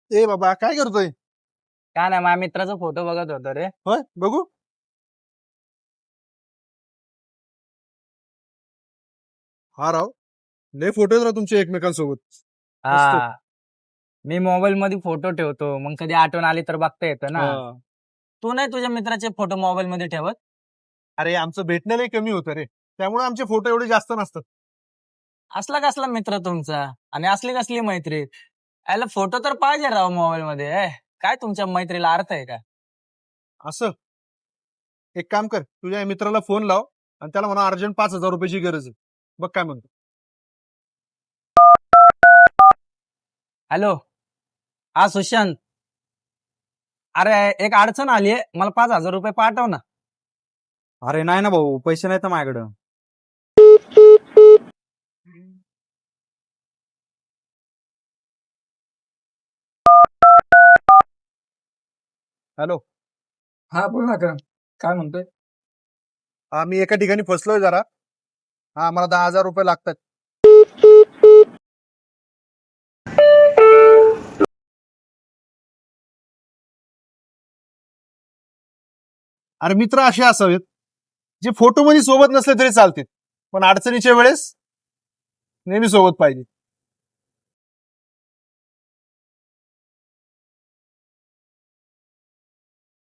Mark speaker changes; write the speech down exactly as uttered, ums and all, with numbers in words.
Speaker 1: ए बाबा काय करतोय?
Speaker 2: काय नाही, माझ्या मित्राचा फोटो बघत होतो रे.
Speaker 1: होय बघू. हा राव, लय फोटो आहेत राव तुमचे एकमेकांसोबत. मस्त.
Speaker 2: हा, मी मोबाईल मध्ये फोटो ठेवतो, मग कधी आठवण आली तर बघता येतं ना.
Speaker 1: हा.
Speaker 2: तू नाही तुझ्या मित्राचे फोटो मोबाईल मध्ये ठेवत?
Speaker 1: अरे आमचं भेटणं लय कमी होतं रे, त्यामुळे आमचे फोटो एवढे जास्त नसतात.
Speaker 2: असला कसला मित्र तुमचा आणि असली कसली मैत्री? याला फोटो तर पाहिजे राव मोबाईल मध्ये. ए, काय तुमच्या मैत्रीला अर्थ आहे का?
Speaker 1: असं एक काम कर, तुझ्या या मित्राला फोन लाव आणि त्याला म्हणा अर्जंट पाच हजार रुपयाची गरज आहे. बघ काय म्हणतो.
Speaker 2: हॅलो. हा सुशांत. अरे एक अडचण आली आहे, मला पाच हजार रुपये पाठव ना.
Speaker 3: अरे नाही ना भाऊ, पैसे नाहीत ना माझ्याकडं.
Speaker 1: हॅलो.
Speaker 4: हा बोल ना का काय म्हणतोय.
Speaker 1: हा मी एका ठिकाणी फसलोय जरा. हा मला दहा हजार रुपये लागतात. अरे मित्र असे असावेत जे फोटो मध्ये सोबत नसले तरी चालतील, पण अडचणीच्या वेळेस नेहमी सोबत पाहिजे.